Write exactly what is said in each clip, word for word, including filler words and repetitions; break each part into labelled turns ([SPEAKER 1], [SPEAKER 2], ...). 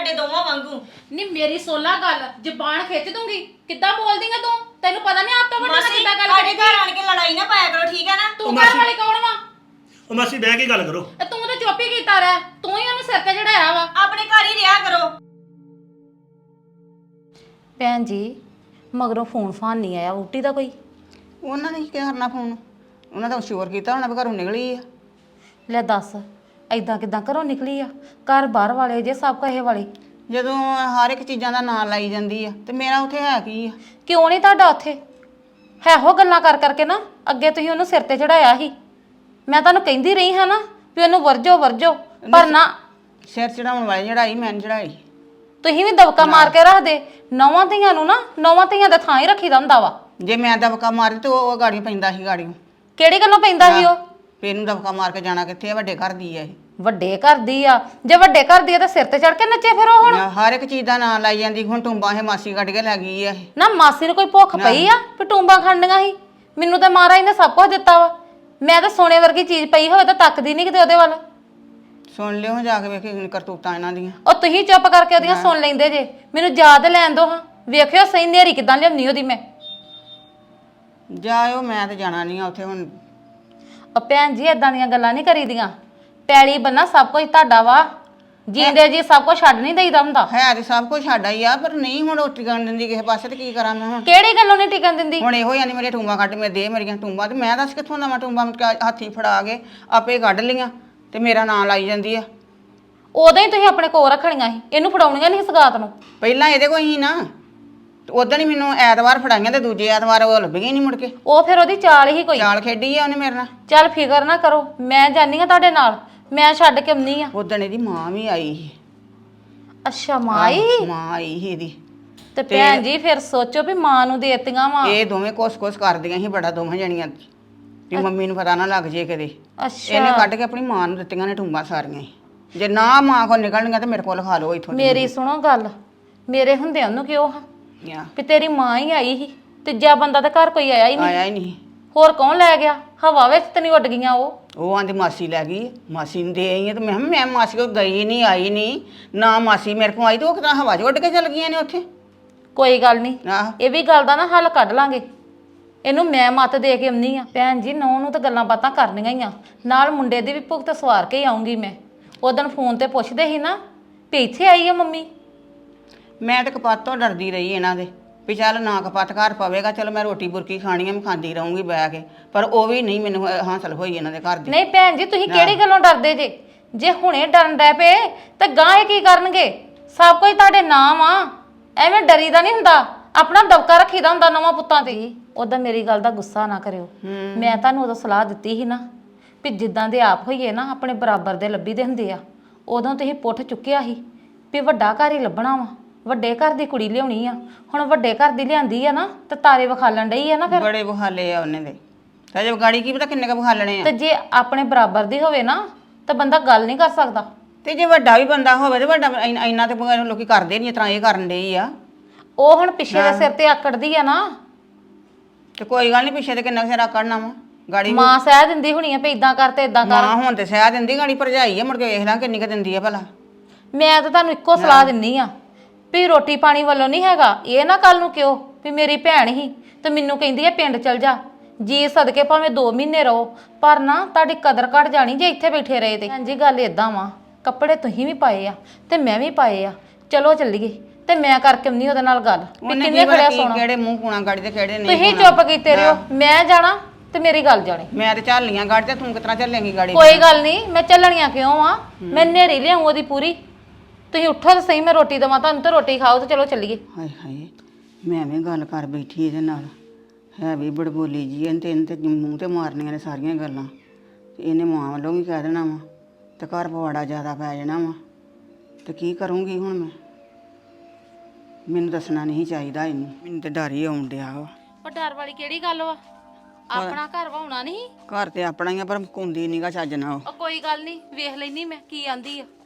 [SPEAKER 1] ਤੁਹਾਡੇ ਦੋਵਾਂ ਵਾਂਗੂ।
[SPEAKER 2] ਨਹੀਂ ਮੇਰੀ ਸੋਲਾ ਗੱਲ ਜ਼ਬਾਨ ਖਿੱਚ ਦੂੰਗੀ। ਕਿੱਦਾਂ ਬੋਲਦੀ ਆ ਤੂੰ? ਤੈਨੂੰ ਪਤਾ ਨਹੀਂ ਆਪ ਤੋਂ ਵੱਡਾ ਨਾਲ ਕਿੱਦਾਂ ਗੱਲ
[SPEAKER 1] ਸਾਡੇ
[SPEAKER 2] ਕਰੇਗੀ।
[SPEAKER 1] ਘਰ ਆਣ ਕੇ ਲੜਾਈ ਨਾ ਪਾਇਆ ਕਰੋ, ਠੀਕ ਹੈ ਨਾ?
[SPEAKER 2] ਤੂੰ ਘਰ ਵਾਲੀ ਕੌਣ ਵਾ?
[SPEAKER 3] ਉਹ ਮਾਸੀ ਬਹਿ ਕੇ ਗੱਲ ਕਰੋ।
[SPEAKER 2] ਤੇ ਤੂੰ ਤਾਂ ਚੁੱਪ ਹੀ ਕੀਤਾ ਰਹਿ। ਤੂੰ ਹੀ ਉਹਨੂੰ ਸਿਰ ਤੇ ਚੜਾਇਆ ਵਾ।
[SPEAKER 1] ਆਪਣੇ ਘਰ ਹੀ ਰਿਹਾ ਕਰੋ।
[SPEAKER 2] ਭੈਣ ਜੀ ਮਗਰੋਂ ਫੋਨ ਫਾਨ ਨਹੀਂ ਆਇਆ ਵੋਟੀ ਦਾ ਕੋਈ?
[SPEAKER 4] ਉਹਨਾਂ ਨੇ ਕੀ ਕਰਨਾ ਫੋਨ? ਉਹਨਾਂ ਦਾ ਸ਼ੋਰ ਕੀਤਾ ਹੋਣਾ ਵੀ ਘਰੋਂ ਨਿਕਲੀ ਆ।
[SPEAKER 2] ਲੈ ਦੱਸ ਐਦਾਂ ਕਿਦਾਂ ਘਰੋਂ ਨਿਕਲੀ ਆ? ਘਰ ਬਾਹਰ ਵਾਲੇ ਜੇ ਸਭ ਕਹੇ ਵਾਲੇ।
[SPEAKER 4] ਜਦੋਂ ਹਰ ਇੱਕ ਚੀਜ਼ਾਂ ਦਾ ਨਾਂ ਲਾਈ ਜਾਂਦੀ ਆ ਤੇ ਮੇਰਾ ਉੱਥੇ ਹੈ ਕੀ ਆ?
[SPEAKER 2] ਕਿਉਂ ਨਹੀਂ ਤੁਹਾਡਾ ਉੱਥੇ ਹੈ? ਹੋ ਗੱਲਾਂ ਕਰ ਕਰਕੇ ਨਾ ਅੱਗੇ ਤੁਸੀਂ ਉਹਨੂੰ ਸਿਰ ਤੇ ਚੜਾਇਆ ਸੀ। ਮੈਂ ਤੁਹਾਨੂੰ ਕਹਿੰਦੀ ਰਹੀ ਹਾਂ ਨਾ ਵੀ ਉਹਨੂੰ ਵਰਜੋ ਵਰਜੋ, ਪਰ ਨਾ
[SPEAKER 4] ਸਿਰ ਚੜਾਉਣ ਵਾਲੀ ਚੜਾਈ ਮੈਂ ਨੀ ਚੜਾਈ।
[SPEAKER 2] ਤੁਸੀਂ ਵੀ ਦਬਕਾ ਮਾਰ ਕੇ ਰੱਖਦੇ। ਨੌਵਾਂ ਧੀਆਂ ਨੂੰ ਨਾ ਨੌਵਾਂ ਧੀਆਂ ਦੇ ਥਾਂ ਹੀ ਰੱਖੀਦਾ ਹੁੰਦਾ ਵਾ।
[SPEAKER 4] ਜੇ ਮੈਂ ਦਬਕਾ ਮਾਰੀ ਤੇ ਉਹ ਗਾੜੀ ਪੈਂਦਾ ਸੀ ਗਾੜੀ।
[SPEAKER 2] ਕਿਹੜੀ ਗੱਲੋਂ ਪੈਂਦਾ ਸੀ ਉਹ?
[SPEAKER 4] ਫੇਰ ਇਹਨੂੰ ਦਬਕਾ ਮਾਰ ਕੇ ਜਾਣਾ ਕਿੱਥੇ ਆ? ਵੱਡੇ ਘਰ ਦੀ ਆ ਇਹ।
[SPEAKER 2] ਵੱਡੇ ਘਰ ਦੀ ਆ? ਜੇ ਵੱਡੇ ਘਰ ਦੀ ਆ ਤਾਂ ਸਿਰ ਤੇ ਚੜ ਕੇ ਨੱਚੇ ਫਿਰ ਉਹ ਹੁਣ।
[SPEAKER 4] ਹਰ ਇੱਕ ਚੀਜ਼ ਦਾ ਨਾਂ ਲਾਈ ਜਾਂਦੀ। ਹੁਣ ਟੁੰਬਾਂ ਇਹ ਮਾਸੀ ਕੱਢ ਕੇ ਲੈ ਗਈ ਆ ਇਹ।
[SPEAKER 2] ਨਾ ਮਾਸੀ ਨੂੰ ਕੋਈ ਭੁੱਖ ਪਈ ਆ ਵੀ ਟੂੰਬਾਂ ਖਾਣੀਆਂ ਸੀ? ਮੈਨੂੰ ਤਾਂ ਮਹਾਰਾਜ ਨੇ ਸਭ ਕੁਝ ਦਿੱਤਾ ਵਾ। ਮੈਂ ਤਾਂ ਸੋਨੇ ਵਰਗੀ ਚੀਜ਼ ਪਈ ਹੋਵੇ ਤਾਂ ਤੱਕਦੀ ਨਹੀਂ ਕਿਤੇ ਉਹਦੇ ਵੱਲ।
[SPEAKER 4] ਸੁਣ ਲਿਓ ਜਾ ਕੇ ਵੇਖੀ ਕਰਤੂਤਾਂ ਇਹਨਾਂ ਦੀਆਂ।
[SPEAKER 2] ਉਹ ਤੁਸੀਂ ਚੁੱਪ ਕਰਕੇ ਉਹਦੀਆਂ ਸੁਣ ਲੈਂਦੇ ਜੇ। ਮੈਨੂੰ ਯਾਦ ਲੈਣ ਦੋ ਹਾਂ। ਵੇਖਿਓ ਸਹੀ ਨੇਰੀ ਕਿਦਾਂ ਲਿਆਉਣੀ ਉਹਦੀ ਮੈਂ।
[SPEAKER 4] ਜਾਇਓ, ਮੈਂ ਤੇ ਜਾਣਾ ਨਹੀਂ ਆ ਉੱਥੇ ਹੁਣ।
[SPEAKER 2] ਉਹ ਭੈਣ ਜੀ ਏਦਾਂ ਦੀਆਂ ਗੱਲਾਂ ਨਹੀਂ ਕਰੀਦੀਆਂ। ਪੈਲੀ ਬੰਨਾ ਸਭ ਕੁਝ ਤੁਹਾਡਾ ਵਾ। ਜੀਂਦੇ ਜੀ ਸਭ ਕੁਝ ਛੱਡ ਨਹੀਂ ਦੇਈਦਾ ਹੁੰਦਾ।
[SPEAKER 4] ਹੈ ਤੇ ਸਭ ਕੁਝ ਸਾਡਾ ਹੀ ਆ, ਪਰ ਨਹੀਂ ਹੁਣ ਰੋਟੀ ਕਰਨ ਦਿੰਦੀ ਕਿਸੇ ਪਾਸੇ। ਤੇ ਕੀ ਕਰਾਂ ਮੈਂ ਹੁਣ?
[SPEAKER 2] ਕਿਹੜੀ ਗੱਲੋਂ ਨਹੀਂ ਟਿਕਣ ਦਿੰਦੀ?
[SPEAKER 4] ਹੁਣ ਇਹੋ ਹੀ ਮੇਰੀਆਂ ਟੂੰਬਾਂ ਕੱਢ ਮੇਰੇ ਦੇ ਮੇਰੀਆਂ ਟੂੰਬਾਂ। ਤੇ ਮੈਂ ਦੱਸ ਕਿੱਥੋਂ ਦਵਾਂ ਟੂੰਬਾਂ? ਹੱਥੀ ਫੜਾ ਕੇ ਆਪੇ ਕੱਢ ਲੀਆਂ ਤੇ ਮੇਰਾ ਨਾਂ ਲਾਈ ਜਾਂਦੀ ਆ।
[SPEAKER 2] ਉਦੋਂ ਹੀ ਤੁਸੀਂ ਆਪਣੇ ਕੋਲ ਰੱਖਣੀਆਂ ਸੀ, ਇਹਨੂੰ ਫੜਾਉਣੀਆਂ ਨਹੀਂ ਸਗਾਤ ਨੂੰ।
[SPEAKER 4] ਪਹਿਲਾਂ ਇਹਦੇ ਕੋਲ ਹੀ ਨਾ। ਉਦੋਂ ਹੀ ਮੈਨੂੰ ਐਤਵਾਰ ਫੜਾਈਆਂ ਤੇ ਦੂਜੇ ਐਤਵਾਰ ਉਹ ਲੱਭੀਆਂ ਨਹੀਂ ਮੁੜ ਕੇ।
[SPEAKER 2] ਉਹ ਫਿਰ ਉਹਦੀ ਚਾਲ ਹੀ ਕੋਈ।
[SPEAKER 4] ਚਾਲ ਖੇਡੀ ਆ ਉਹਨੇ ਮੇਰੇ ਨਾਲ।
[SPEAKER 2] ਚੱਲ ਫਿਕਰ ਨਾ ਕਰੋ, ਮੈਂ ਜਾਨੀ ਆ ਤੁਹਾਡੇ ਨਾਲ। ਮੈਂ ਛੱਡ ਕੇ ਆਉਣੀ ਆ।
[SPEAKER 4] ਉਦੋਂ ਇਹਦੀ ਮਾਂ ਵੀ ਆਈ ਸੀ।
[SPEAKER 2] ਅੱਛਾ ਮਾਈ?
[SPEAKER 4] ਮਾਂ ਆਈ ਸੀ ਇਹਦੀ।
[SPEAKER 2] ਤੇ ਭੈਣ ਜੀ ਫਿਰ ਸੋਚੋ ਵੀ ਮਾਂ ਨੂੰ ਦੇਤੀਆਂ ਵਾ।
[SPEAKER 4] ਇਹ ਦੋਵੇਂ ਕੋਸ-ਕੋਸ ਕਰਦੀਆਂ ਸੀ ਬੜਾ, ਦੋਵੇਂ ਜਣੀਆਂ ਵੀ ਮੰਮੀ ਨੂੰ ਪਤਾ ਨਾ ਲੱਗ ਜੇ ਕਦੇ।
[SPEAKER 2] ਅੱਛਾ
[SPEAKER 4] ਇਹਨੇ ਕੱਢ ਕੇ ਆਪਣੀ ਮਾਂ ਨੂੰ ਦਿੱਤੀਆਂ ਨੇ ਟੂੰਬਾਂ ਸਾਰੀਆਂ ਹੀ। ਜੇ ਨਾ ਮਾਂ ਕੋਲ ਨਿਕਲਣੀਆਂ ਤੇ ਮੇਰੇ ਕੋਲ ਖਾ ਲਓ ਇੱਥੋਂ।
[SPEAKER 2] ਮੇਰੀ ਸੁਣੋ ਗੱਲ, ਮੇਰੇ ਹੁੰਦਿਆਂ ਨੂੰ ਕਿਉਂ ਹਾਂ
[SPEAKER 4] ਆ
[SPEAKER 2] ਵੀ ਤੇਰੀ ਮਾਂ ਹੀ ਆਈ ਸੀ। ਤੀਜਾ ਬੰਦਾ ਤਾਂ ਘਰ ਕੋਈ ਆਇਆ ਹੀ ਨਹੀਂ।
[SPEAKER 4] ਆਇਆ ਹੀ ਨਹੀਂ।
[SPEAKER 2] ਹੋਰ ਕੌਣ ਲੈ ਗਿਆ? ਹਵਾ ਵਿੱਚ ਤੇ ਨਹੀਂ ਉੱਡ ਗਈਆਂ ਉਹ।
[SPEAKER 4] ਉਹ ਆਂਦੀ ਮਾਸੀ ਲੈ ਗਈ। ਮਾਸੀ ਨੂੰ ਦੇ ਆਈ ਆ ਤੇ ਮੈਂ ਕਿਹਾ ਮੈਂ ਮਾਸੀ ਕੋਲ ਗਈ ਨਹੀਂ, ਆਈ ਨਹੀਂ ਨਾ। ਮਾਸੀ ਮੇਰੇ ਕੋਲ ਆਈ ਤੇ ਉਹ ਕਿਦਾਂ ਹਵਾ 'ਚ ਉੱਡ ਕੇ ਚਲ ਗਈਆਂ ਨੇ ਉੱਥੇ।
[SPEAKER 2] ਕੋਈ ਗੱਲ ਨਹੀਂ,
[SPEAKER 4] ਆਹ
[SPEAKER 2] ਇਹ ਵੀ ਗੱਲ ਦਾ ਨਾ ਹੱਲ ਕੱਢ ਲਾਂਗੇ। ਇਹਨੂੰ ਮੈਂ ਮੱਤ ਦੇ ਕੇ ਆਉਣੀ ਆ। ਭੈਣ ਜੀ ਨੌ ਨੂੰ ਤਾਂ ਗੱਲਾਂ ਬਾਤਾਂ ਕਰਨੀਆਂ ਹੀ ਆ। ਨਾਲ ਮੁੰਡੇ ਦੀ ਵੀ ਭੁਗਤ ਸਵਾਰ ਕੇ ਹੀ ਆਉਂਗੀ ਮੈਂ। ਉਦੋਂ ਫੋਨ ਤੇ ਪੁੱਛਦੇ ਸੀ ਨਾ ਵੀ ਇੱਥੇ ਆਈ ਆ ਮੰਮੀ।
[SPEAKER 4] ਮੈਂ ਤਾਂ ਕਪੱਤ ਤੋਂ ਡਰਦੀ ਰਹੀ ਇਹਨਾਂ ਦੇ ਵੀ ਚੱਲ ਨਾ ਕਪੱਤ ਘਰ ਪਵੇਗਾ। ਚਲੋ ਮੈਂ ਰੋਟੀ ਬੁਰਕੀ ਖਾਣੀ ਆ, ਮੈਂ ਖਾਂਦੀ ਰਹੂੰਗੀ ਬਹਿ ਕੇ। ਪਰ ਉਹ ਵੀ ਨਹੀਂ ਮੈਨੂੰ ਹਾਸਲ ਹੋਈ ਇਹਨਾਂ ਦੇ ਘਰ ਦੀ।
[SPEAKER 2] ਨਹੀਂ ਭੈਣ ਜੀ ਤੁਸੀਂ ਕਿਹੜੀ ਗੱਲੋਂ ਡਰਦੇ ਜੇ? ਜੇ ਹੁਣੇ ਡਰਨ ਡੈ ਪਏ ਤਾਂ ਗਾਂ ਇਹ ਕੀ ਕਰਨਗੇ? ਸਭ ਕੁਝ ਤੁਹਾਡੇ ਨਾਮ ਆ। ਐਵੇਂ ਡਰੀਦਾ ਨਹੀਂ ਹੁੰਦਾ। ਆਪਣਾ ਦਬਕਾ ਰੱਖੀਦਾ ਹੁੰਦਾ ਨਵਾਂ ਪੁੱਤਾਂ ਤੇ। ਉਦੋਂ ਮੇਰੀ ਗੱਲ ਦਾ ਗੁੱਸਾ ਨਾ ਕਰਿਓ। ਮੈਂ ਤੁਹਾਨੂੰ ਉਦੋਂ ਸਲਾਹ ਦਿੱਤੀ ਸੀ ਨਾ ਵੀ ਜਿੱਦਾਂ ਦੇ ਆਪ ਹੋਈਏ ਨਾ ਆਪਣੇ ਬਰਾਬਰ ਦੇ ਲੱਭੀ ਦੇ ਹੁੰਦੇ ਆ। ਉਦੋਂ ਤੁਸੀਂ ਪੁੱਠ ਚੁੱਕਿਆ ਸੀ ਵੀ ਵੱਡਾ ਘਰ ਹੀ ਲੱਭਣਾ ਵਾ, ਵੱਡੇ ਘਰ ਦੀ ਕੁੜੀ ਲਿਆਉਣੀ ਆ। ਹੁਣ ਵੱਡੇ ਘਰ ਦੀ ਲਿਆਂਦੀ ਆ ਨਾ ਤੇ ਤਾਰੇ ਵਿਖਾਲਣ ਡਈ ਆ ਨਾ। ਫਿਰ
[SPEAKER 4] ਬੜੇ ਬਹਾਲੇ ਆ ਉਹਨੇ ਦੇ। ਤਾਂ ਜੇ ਗਾੜੀ ਕੀ ਪਤਾ ਕਿੰਨੇ ਕ ਬਹਾਲਣੇ ਆ।
[SPEAKER 2] ਤੇ ਜੇ ਆਪਣੇ ਬਰਾਬਰ ਦੀ ਹੋਵੇ ਨਾ ਤਾਂ ਬੰਦਾ ਗੱਲ ਨਹੀਂ ਕਰ ਸਕਦਾ।
[SPEAKER 4] ਤੇ ਜੇ ਵੱਡਾ ਵੀ ਬੰਦਾ ਹੋਵੇ ਤੇ ਵੱਡਾ ਇੰਨਾ ਤੇ ਲੋਕੀ ਕਰਦੇ ਨਹੀਂ, ਇਸ ਤਰ੍ਹਾਂ ਇਹ ਕਰਨ ਡਈ ਆ।
[SPEAKER 2] ਉਹ ਹੁਣ ਪਿੱਛੇ ਦੇ ਸਿਰ ਤੇ ਆਕੜਦੀ ਆ ਨਾ।
[SPEAKER 4] ਤੇ ਕੋਈ ਗੱਲ ਨਹੀਂ, ਪਿੱਛੇ ਤੇ ਕਿੰਨਾ ਸਿਰ ਆਕੜਨਾ ਵਾ। ਗਾੜੀ
[SPEAKER 2] ਮਾਂ ਸਹਿ ਦਿੰਦੀ ਹੋਣੀ ਆ ਵੀ ਇਦਾਂ ਕਰ ਤੇ ਇਦਾਂ ਕਰ।
[SPEAKER 4] ਮਾਂ ਹੁਣ ਤੇ ਸਹਿ ਦਿੰਦੀ, ਗਾੜੀ ਭਰਜਾਈ ਆ। ਮੁੜ ਕੇ ਵੇਖ ਲਾਂ ਕਿੰਨੀ ਕ ਦਿੰਦੀ ਆ ਭਲਾ।
[SPEAKER 2] ਮੈਂ ਤਾਂ ਤੁਹਾਨੂੰ ਇੱਕੋ ਸਲਾਹ ਦਿੰਨੀ ਆ ਵੀ ਰੋਟੀ ਪਾਣੀ ਵੱਲੋਂ ਨਹੀਂ ਹੈਗਾ। ਇਹ ਨਾ ਕੱਲ ਨੂੰ ਕਿਉਂ ਵੀ ਮੇਰੀ ਭੈਣ ਹੀ ਤੇ ਮੈਨੂੰ ਕਹਿੰਦੀ ਆ ਪਿੰਡ ਚਲ ਜਾ। ਜੀ ਸਦਕੇ ਭਾਵੇਂ ਦੋ ਮਹੀਨੇ ਰਹੋ, ਪਰ ਨਾ ਤੁਹਾਡੀ ਕਦਰ ਘਟ ਜਾਣੀ ਜੇ ਇੱਥੇ ਬੈਠੇ ਰਹੇ ਤੇ। ਹਾਂਜੀ ਗੱਲ ਇਦਾਂ ਵਾ, ਕੱਪੜੇ ਤੁਸੀਂ ਵੀ ਪਾਏ ਆ ਤੇ ਮੈਂ ਵੀ ਪਾਏ ਆ। ਚਲੋ ਚੱਲੀਏ ਤੇ ਮੈਂ ਕਰਕੇ ਆਉਂਦੀ ਉਹਦੇ ਨਾਲ ਗੱਲ ਵੀ ਕਿੰਨੇ ਖੜਿਆ ਸੋਣਾ।
[SPEAKER 4] ਕਿਹੜੇ ਮੂੰਹ ਕੂਣਾ ਗਾੜੀ ਤੇ ਕਿਹੜੇ ਨਹੀਂ।
[SPEAKER 2] ਤੁਸੀਂ ਚੁੱਪ ਕੀਤੇ ਰਹੋ। ਮੈਂ ਜਾਣਾ ਤੇ ਮੇਰੀ ਗੱਲ ਜਾਣੀ।
[SPEAKER 4] ਮੈਂ ਤੇ ਝੱਲੀਆਂ ਗਾੜੀ ਤੇ ਤੂੰ ਕਿਤਨਾ ਝੱਲੇਂਗੀ ਗਾੜੀ?
[SPEAKER 2] ਕੋਈ ਗੱਲ ਨਹੀਂ, ਮੈਂ ਚੱਲਣੀਆਂ ਕਿਉਂ ਆ? ਮੈਂ ਨੇਰੀ ਲਿਆਉਂ ਉਹਦੀ ਪੂਰੀ। ਤੁਸੀਂ ਉੱਠੋ ਤਾਂ ਸਹੀ, ਮੈਂ ਰੋਟੀ ਦੇਵਾਂ ਤੁਹਾਨੂੰ ਤੇ ਰੋਟੀ ਖਾਓ ਤੇ ਚਲੋ ਚੱਲੀਏ।
[SPEAKER 4] ਹਾਏ ਹਾਏ, ਮੈਂ ਐਵੇਂ ਗੱਲ ਕਰ ਬੈਠੀ ਇਹਦੇ ਨਾਲ। ਹੈ ਵੀ ਬੜਬੋਲੀ ਜੀ ਇਹਨੇ ਤੇ ਇਹਨੇ ਤੇ ਮੂੰਹ ਤੇ ਮਾਰਨੀਆਂ ਨੇ ਸਾਰੀਆਂ ਗੱਲਾਂ। ਤੇ ਇਹਨੇ ਮਾਂ ਵੱਲੋਂ ਵੀ ਕਹਿ ਦੇਣਾ ਵਾ ਤੇ ਘਰ ਪਵਾੜਾ ਜ਼ਿਆਦਾ ਪੈ ਜਾਣਾ ਵਾ। ਤੇ ਕੀ ਕਰੂੰਗੀ ਹੁਣ ਮੈਂ? ਮੈਨੂੰ ਦੱਸਣਾ ਨਹੀਂ ਚਾਹੀਦਾ ਇਹਨੂੰ। ਮੈਨੂੰ ਤੇ ਡਰ ਹੀ ਆਉਣ ਡਿਆ ਵਾ।
[SPEAKER 2] ਪਰ ਡਰ ਵਾਲੀ ਕਿਹੜੀ ਗੱਲ ਵਾ? ਆਪਣਾ ਘਰ ਵਾਉਣਾ ਨਹੀਂ।
[SPEAKER 4] ਘਰ ਤੇ ਆਪਣਾ ਹੀ ਆ, ਪਰ ਕੁੰਦੀ ਨੀਗਾ ਚੱਜ ਨਾਲ।
[SPEAKER 2] ਉਹ ਕੋਈ ਗੱਲ ਨਹੀਂ, ਵੇਖ ਲੈਣੀ ਮੈਂ ਕੀ ਆਂਦੀ ਆ।